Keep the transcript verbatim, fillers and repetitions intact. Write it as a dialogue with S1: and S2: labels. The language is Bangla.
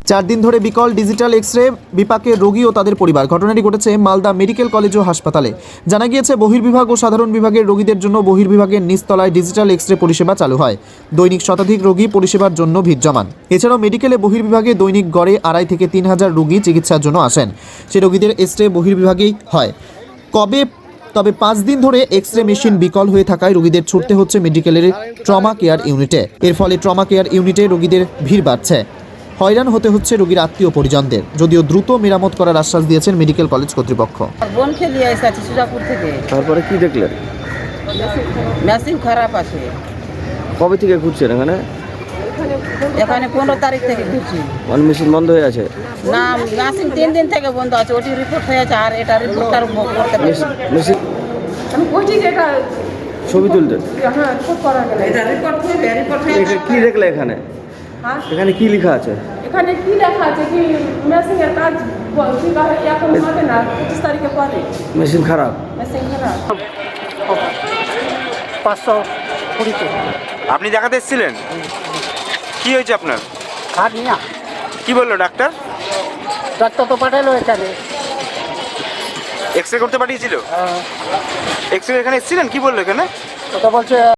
S1: চার দিন ধরে বিকল ডিজিটাল এক্স রে বিপাকের রোগী ও তাদের পরিবার। ঘটনাটি ঘটেছে মালদা মেডিকেল কলেজ ও হাসপাতালে। জানা গিয়েছে বহির্বিভাগ ও সাধারণ বিভাগের রোগীদের জন্য বহির্বিভাগের নিচতলায় ডিজিটাল এক্স রে পরিষেবা চালু হয়। দৈনিক শতাধিক রোগী পরিষেবার জন্য ভিড় জমান। এছাড়াও মেডিকেলে বহির্বিভাগে দৈনিক গড়ে আড়াই থেকে তিন হাজার রোগী চিকিৎসার জন্য আসেন। সে রোগীদের এক্স রে বহির্বিভাগেই হয়। কবে তবে পাঁচ দিন ধরে এক্স রে মেশিন বিকল হয়ে থাকায় রোগীদের ছুটতে হচ্ছে মেডিকেলের ট্রমা কেয়ার ইউনিটে। এর ফলে ট্রমা কেয়ার ইউনিটে রোগীদের ভিড় বাড়ছে। হয়রান হতে হচ্ছে রোগীর আত্মীয় পরিজনদের, যদিও দ্রুত মেরামত করার আশ্বাস দিয়েছেন মেডিকেল কলেজ কর্তৃপক্ষ।
S2: বোনকে নিয়ে এসেছি সুজাপুর থেকে।
S3: তারপরে কি দেখলেন?
S2: মেশিন খারাপ আছে।
S3: কবে থেকে ঘুরছেন এখানে?
S2: এখানে পনেরো তারিখ থেকে ঘুরছি।
S3: মানে মেশিন বন্ধ হয়ে আছে?
S2: না, মেশিন তিন দিন থেকে বন্ধ আছে। ওটি রিপোর্ট হয়েছে আর এটা রিপোর্টটার করতে পারছি না।
S3: মেশিন
S4: আমি বলছি যে এটা
S3: ছবি তুলতেন?
S4: হ্যাঁ রিপোর্ট করা গেল।
S2: এটা রিপোর্ট হয়ে রিপোর্ট হয়ে
S3: এটা কি দেখলে এখানে?
S4: হ্যাঁ
S3: এখানে কি লেখা আছে?
S4: এখানে কি লেখা আছে কি মেশিনের কাজ কি কাজ এখন হবে না, পঁচিশ তারিখে পরে
S3: মেশিন খারাপ?
S4: মেশিন খারাপ।
S5: পাঁচশো কুড়িতে
S6: আপনি দেখাতে এসেছিলেন? কি হয়েছে আপনার?
S5: খাট নিয়া
S6: কি বললো ডাক্তার?
S5: ডাক্তার তো পাঠালো এখানে।
S6: এক্স রে করতে পাঠিয়েছিল? এক্স রে এখানে এসেছিলেন? কি বললো এখানে?
S5: ওটা বলছে